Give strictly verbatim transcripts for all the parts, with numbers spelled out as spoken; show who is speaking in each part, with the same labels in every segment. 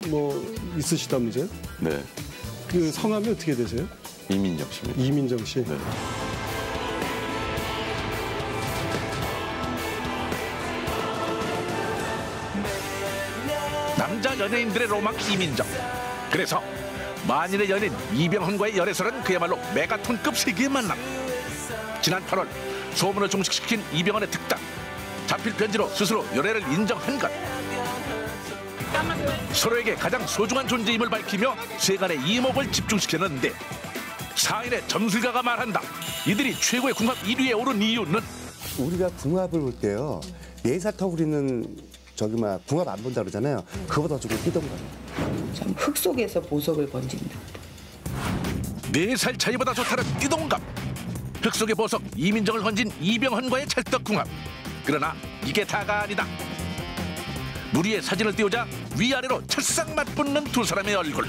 Speaker 1: 뭐 있으시다면서요?
Speaker 2: 네.
Speaker 1: 그 성함이 어떻게 되세요?
Speaker 2: 이민정 씨입니다.
Speaker 1: 이민정 씨.
Speaker 2: 네.
Speaker 3: 남자 연예인들의 로망 이민정. 그래서 만인의 연인 이병헌과의 열애설은 그야말로 메가톤급 세계의 만남. 지난 팔월 소문을 종식시킨 이병헌의 특단. 잡힐 편지로 스스로 열애를 인정한 것. 서로에게 가장 소중한 존재임을 밝히며 세간의 이목을 집중시켰는데 사인의 점술가가 말한다. 이들이 최고의 궁합 일 위에 오른 이유는
Speaker 4: 우리가 궁합을 볼 때요. 예사터구리는 저기 막 궁합 안 본다 그러잖아요. 그거보다 조금 뛰던가.
Speaker 5: 참 흙 속에서 보석을 건진다.
Speaker 3: 네 살 차이보다 좋다는 띠동갑. 흙 속의 보석 이민정을 건진 이병헌과의 찰떡궁합. 그러나 이게 다가 아니다. 무리의 사진을 띄우자 위아래로 찰싹 맞붙는 두 사람의 얼굴.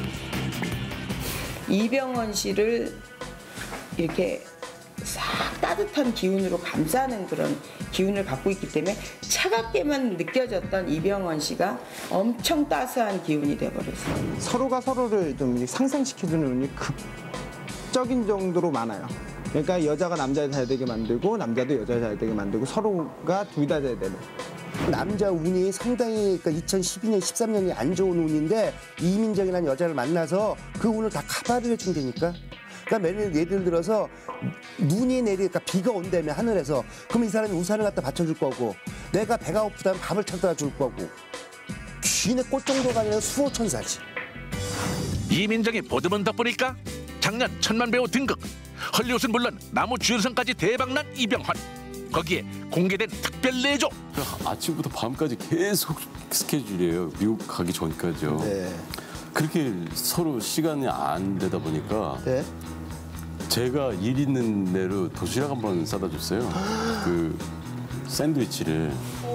Speaker 5: 이병헌 씨를 이렇게 싹 따뜻한 기운으로 감싸는 그런 기운을 갖고 있기 때문에 차갑게만 느껴졌던 이병헌 씨가 엄청 따스한 기운이 돼버렸어요.
Speaker 6: 서로가 서로를 좀 상승시켜주는 운이 극적인 정도로 많아요. 그러니까 여자가 남자 잘 되게 만들고 남자도 여자 잘 되게 만들고 서로가 둘 다 잘 되는.
Speaker 4: 남자 운이 상당히 그러니까 이천십이 년, 십삼 년이 안 좋은 운인데 이민정이라는 여자를 만나서 그 운을 다 커버를 해준다니까. 그러니까 예를 들어서 눈이 내리, 그러니까 비가 온다며 하늘에서 그럼 이 사람이 우산을 갖다 받쳐줄 거고 내가 배가 고프다면 밥을 찾아다 줄 거고 귀내 꽃 정도가 아니라 수호천사지.
Speaker 3: 이민정이 보듬은 덕분일까? 작년 천만 배우 등극. 헐리우드는 물론 나무 주연상까지 대박난 이병헌. 거기에 공개된 특별 내조.
Speaker 2: 아침부터 밤까지 계속 스케줄이에요. 미국 가기 전까지요.
Speaker 4: 네.
Speaker 2: 그렇게 서로 시간이 안 되다 보니까
Speaker 4: 네.
Speaker 2: 제가 일 있는 대로 도시락 한 번 싸다 줬어요. 그 샌드위치를.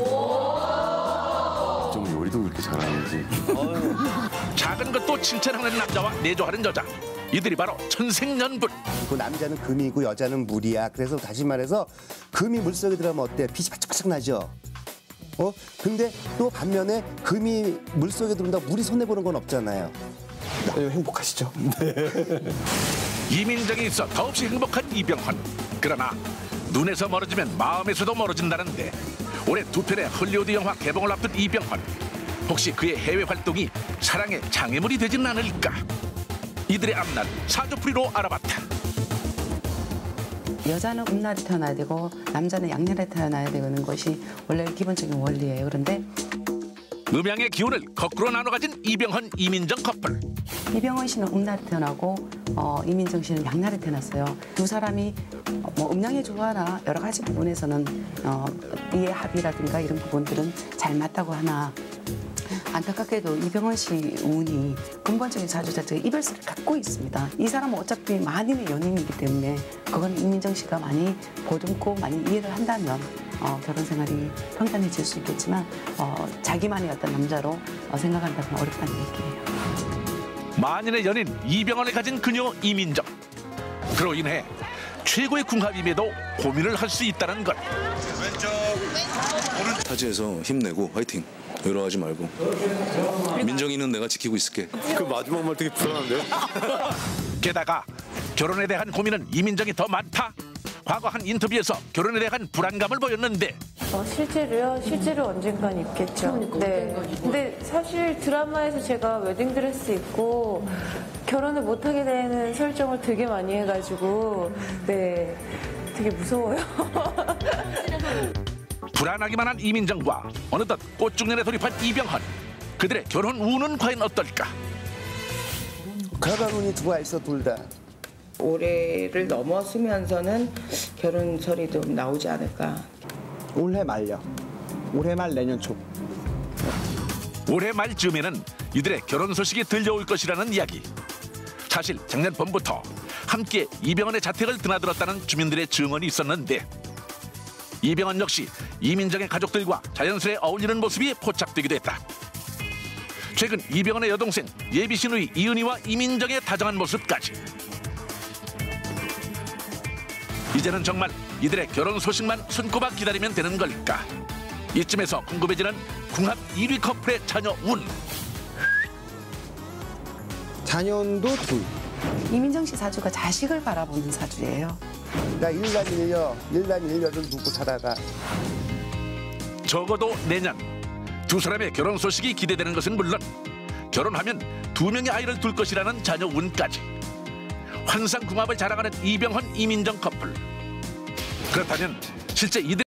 Speaker 2: 좀 요리도 그렇게 잘하는지.
Speaker 3: 작은 것도 칭찬하는 남자와 내조하는 여자. 이들이 바로 천생연분.
Speaker 4: 그 남자는 금이고 여자는 물이야. 그래서 다시 말해서 금이 물속에 들어가면 어때? 빛이 바짝바짝 나죠. 어? 근데 또 반면에 금이 물속에 들어온다고 물이 손해보는 건 없잖아요.
Speaker 6: 네, 행복하시죠?
Speaker 3: 이민정이 있어 더없이 행복한 이병헌. 그러나 눈에서 멀어지면 마음에서도 멀어진다는데 올해 두 편의 헐리우드 영화 개봉을 앞둔 이병헌. 혹시 그의 해외 활동이 사랑의 장애물이 되진 않을까? 이들의 앞날 사주풀이로 알아봤다.
Speaker 7: 여자는 음날에 태어나야 되고 남자는 양날에 태어나야 되는 것이 원래 기본적인 원리예요. 그런데
Speaker 3: 음양의 기운을 거꾸로 나눠 가진 이병헌, 이민정 커플.
Speaker 7: 이병헌 씨는 음날에 태어나고 어, 이민정 씨는 양날에 태어났어요. 두 사람이 어, 뭐 음양의 조화나 여러 가지 부분에서는 어, 이해 합의라든가 이런 부분들은 잘 맞다고 하나 안타깝게도 이병헌 씨 운이 근본적인 사주 자체가 이별세를 갖고 있습니다. 이 사람은 어차피 만인의 연인이기 때문에 그건 이민정 씨가 많이 보듬고 많이 이해를 한다면 어, 결혼 생활이 평탄해질 수 있겠지만 어, 자기만의 어떤 남자로 어, 생각한다면 어렵다는 얘기예요.
Speaker 3: 만인의 연인 이병헌을 가진 그녀 이민정. 그로 인해 최고의 궁합임에도 고민을 할 수 있다는 것.
Speaker 8: 타지에서 힘내고 화이팅. 외로워하지 말고. 민정이는 내가 지키고 있을게.
Speaker 9: 그 마지막 말 되게 불안한데요?
Speaker 3: 게다가 결혼에 대한 고민은 이민정이 더 많다. 과거 한 인터뷰에서 결혼에 대한 불안감을 보였는데
Speaker 10: 어, 실제로요? 실제로 언젠간 있겠죠. 네. 근데 사실 드라마에서 제가 웨딩드레스 입고 결혼을 못하게 되는 설정을 되게 많이 해가지고 네, 되게 무서워요.
Speaker 3: 불안하기만 한 이민정과 어느덧 꽃중년에 돌입한 이병헌. 그들의 결혼 운은 과연 어떨까?
Speaker 4: 결혼 운이 들어와 있어 둘 다.
Speaker 5: 올해를 넘어서면서는 결혼설이 좀 나오지 않을까.
Speaker 6: 올해 말요. 올해 말 내년 초.
Speaker 3: 올해 말쯤에는 이들의 결혼 소식이 들려올 것이라는 이야기. 사실 작년 봄부터 함께 이병헌의 자택을 드나들었다는 주민들의 증언이 있었는데 이병헌 역시 이민정의 가족들과 자연스레 어울리는 모습이 포착되기도 했다. 최근 이병헌의 여동생 예비 시누이 이은희와 이민정의 다정한 모습까지. 이제는 정말 이들의 결혼 소식만 손꼽아 기다리면 되는 걸까? 이쯤에서 궁금해지는 궁합 일 위 커플의 자녀 운.
Speaker 6: 자녀도 둘.
Speaker 7: 이민정 씨 사주가 자식을 바라보는 사주예요.
Speaker 4: 나 일남 일녀, 일남 일녀를 두고 살아가.
Speaker 3: 적어도 내년 두 사람의 결혼 소식이 기대되는 것은 물론 결혼하면 두 명의 아이를 둘 것이라는 자녀 운까지 환상궁합을 자랑하는 이병헌, 이민정 커플. 그렇다면 실제 이들